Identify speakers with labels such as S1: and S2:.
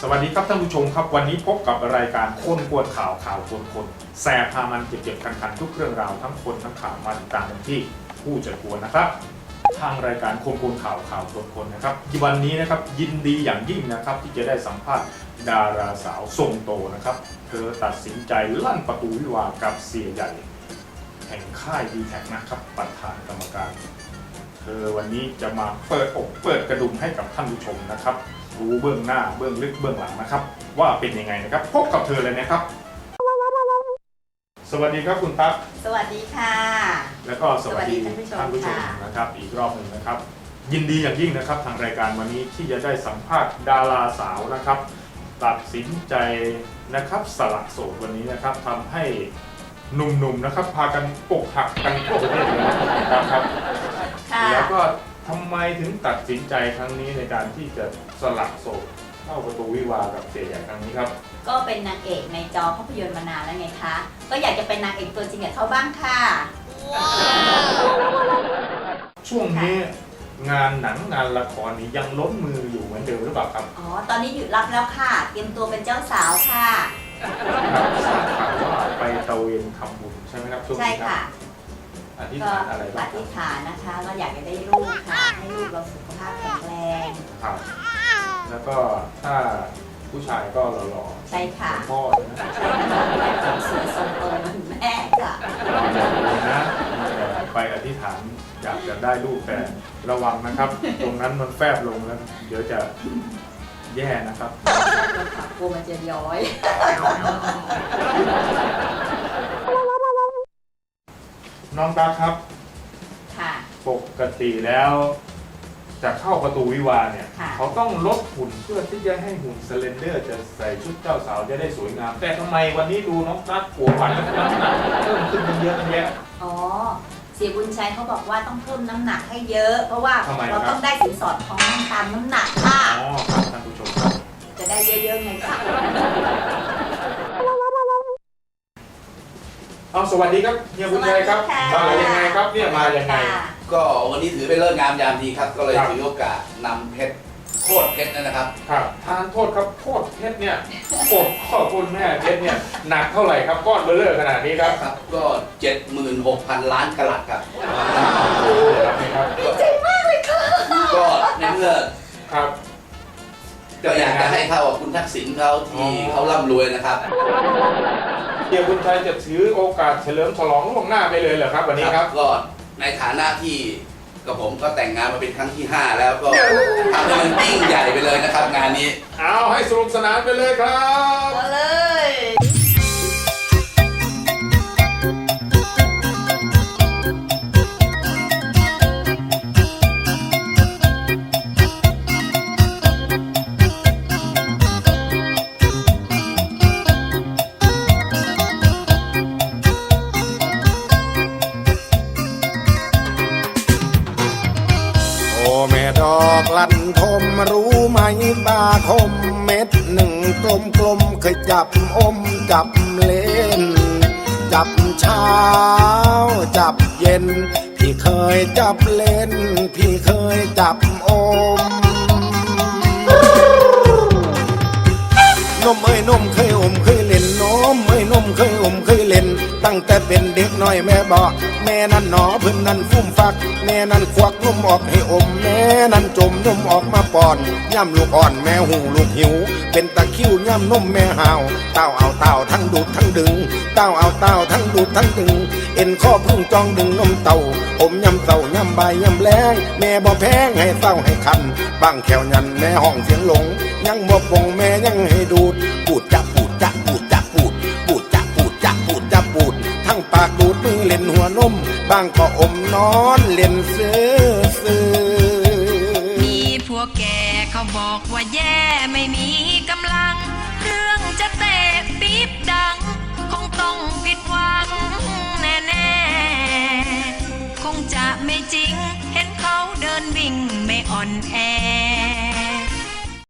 S1: วัสดีครับท่านผู้ชมครับวันนี้พบกับรายการคนกวนข่าวคนแสบพามันเจ็บคันทุกเรื่องราวทั้งคนทั้งข่าวมาติดตามกันที่ผู้จัดกวนนะครับทางรายการคนกวนข่าวคนนะครับวันนี้นะครับยินดีอย่างยิ่งนะครับที่จะได้สัมภาษณ์ดาราสาวทรงโตนะครับเธอตัดสินใจลั่นประตูวิวาห์กับเสียใหญ่แห่งค่ายดีแท็กนะครับประธานกรรมการเธอวันนี้จะมาเปิดอกเปิดกระดุมให้กับท่านผู้ชมนะครับรู้เบื้องหน้าเบื้องลึกเบื้องหลังนะครับว่าเป็นยังไงนะครับพบกับเธอเลยนะครับสวัสดีครับคุณตั๊ก
S2: สวัสดีค่ะ
S1: แล้วก็สวัสดีท่านผู้ชมนะครับอีกรอบหนึ่งนะครับยินดีอย่างยิ่งนะครับทางรายการวันนี้ที่จะได้สัมภาษณ์ดาราสาวนะครับตัดสินใจนะครับสละโสดวันนี้นะครับทำให้หนุ่มๆนะครับพากันอกหักกันทั่วประเทศเลยนะครับแล้วก็ทำไมถึงตัดสินใจครั้งนี้ในการที่จะสละโสดเข้าประตูวิวาห์กับเสียใหญ่ครั้งนี้ครับ
S2: ก็เป็นนางเอกในจอภาพยนตร์มานานแล้วไงคะก็อยากจะเป็นนางเอกตัวจริงกับเขาบ้างค่ะ
S1: ช่วงนี้งานหนังงานละครนี้ยังล้นมืออยู่เหมือนเดิมหรือเปล่าครับ
S2: อ๋อตอนนี้หยุดรับแล้วค่ะเตรียมตัวเป็นเจ้าสาวค่ะ
S1: ทราบข่าวว่าไปตะเวนทำบุญใช่ไหมครับช่วงนี้ครับอธิษฐานอะไรบ้าง
S2: อธิษฐานนะคะเราอยากจะได้ลูกค่ะให้ลูกเราสุขภาพแข็งแรง
S1: ครับแล้วก็ถ้าผู้ชายก็หล่อๆ
S2: ใช่ค่ะ
S1: พ่อนะ
S2: ใช่ค่ะสวยทรงโตเหมือนแม่ค่ะ
S1: นะไปอธิษฐานอยากจะได้ลูกแต่ระวังนะครับตรงนั้นมันแฟบลงแล้วเดี๋ยวจะแย่นะครับ
S2: กลัวมันจะย้อย
S1: น้องตาครับ
S2: ค่ะ
S1: ปกติแล้วจะเข้าประตูวิวาห์เนี่ยเขาต้องลดหุ่นเพื่อที่จะให้หุ่นสเลนเดอร์จะใส่ชุดเจ้าสาวจะได้สวยงามแต่ทำไมวันนี้ดูน้องตั๊กหัววันน้ำหนักเพิ่มขึ้นเยอะแยะ
S2: อ๋อเสียบุญชัยเขาบอกว่าต้องเพิ่มน้ำหนักให้เยอะเพราะว่าเราต้องได้สินสอดทองตามน้ำหนักค่ะ
S1: อ๋อครับท่านผู้ชมครับ
S2: จะได้เยอะๆไงคะ
S1: เอาสวัสดีครับเฮียบุญชัยครับมายังไงครับเนี่ยมายังไง
S3: ก็วันนี้ถือเป็นเลิกงามยามดีครับก็เลยถือโอกาสนำเพชรโคตรเพชรนะครับ
S1: ครับทานโทษครับโคตรเพชรเนี่ยโคตรพ่อคุณแม่เพชรเนี่ยหนักเท่าไหร่ครับก้อนเบลเลอร์ขนาดนี้ครับ
S3: ครับก็ 76,000 ล้านกะรัตครับ
S2: ดีใจมากเลยค่ะ
S3: ก็ในเมื่อ
S1: ครับ
S3: ก็อยากจะให้เท่ากับคุณทักษิณเขาที่เขาร่ำรวยนะครับ
S1: เฮียบุญชัยจะถือโอกาสเฉลิมฉลองล่วงหน้าไปเลยเหรอครับวันนี้ครับ
S3: ก็ในฐานะที่กับผมก็แต่งงานมาเป็นครั้งที่5แล้วก็ทำให้มันยิ่งใหญ่ไปเลยนะครับงานนี้
S1: เอาให้สนุกสนานไปเลยครับ
S2: เอาเลย
S4: ดอกลันทมรู้ไหมบาคมเม็ดหนึ่งกลมเคยจับอมจับเล่นจับเช้าจับเย็นพี่เคยจับเล่นพี่เคยจับอมนมเอ้ยนมเคยอมเคยเล่นนมเอ้ยนมเคยอมเคยเล่นตั้งแต่เป็นเด็กน้อยแม่บอกแม่นั่นหนอเพิ่นนั่นฟุ้มฟักแม่นั่นควักนมออกให้อมแม่นั่นจมนมออกมาป้อนย่ำลูกอ่อนแม่หูลูกหิวเป็นตะคิ้วย่ำนมแม่หาวเต้าเอาเต้าทั้งดูดทั้งดึงเต้าเอาเต้าทั้งดูดทั้งดึงเอ็นข้อพึ่งจองดึงนมเต้าอมย่ำเต้าย่ำใบย่ำแรงแม่บ่แพงให้เต้าให้คันบางแขวยันแม่ห้องเสียงหลงยังบ่ปงแม่ยังให้ดูดปูดจับปูดจับปูดจับปูดปูดจับปูดจับปูดจับปูดทั้งปากดูดมือเล่นหัวนมบางก็อมนอนเล่นซื้อ
S5: มีพวกแกเขาบอกว่าแย่ไม่มีกำลังเรื่องจะเตะปี๊บดังคงต้องผิดหวังแน่ๆคงจะไม่จริงเห็นเขาเดินวิ่งไม่อ่อนแอ